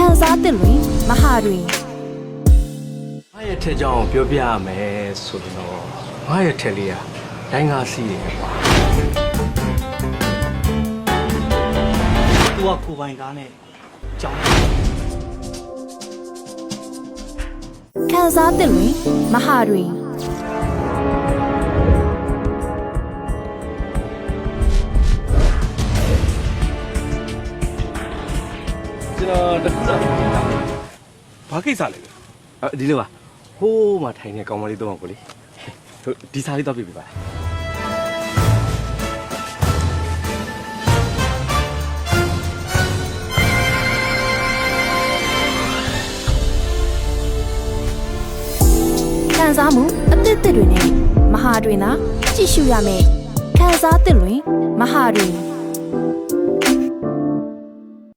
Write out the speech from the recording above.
စားသစ်တွင်မဟာတွင်ငါရဲ့ထက်ကြောင်ပြောပြရမယ်ဆိုတော့ငါရဲ့ထက်လေးကတိုင်းကားစီးတယ်ကွာသူကကိုပိုင်ကားနဲ့ကြောင်းခံစားသစ်တွင်မဟာတွင်ကျွန်တော်တခုစားနေတာဘာကိစ္စလဲဒီလိုပါဟိုးမှာထိုင်နေကောင်မလေးတော့ကိုလေဒီစားလေးတော့ပြပြပါခံစားမှုအသစ်တွေနဲ့မဟာတွင်သာကြည့်ရှုရမယ်ခံစားသစ်တွင်မဟာတွင်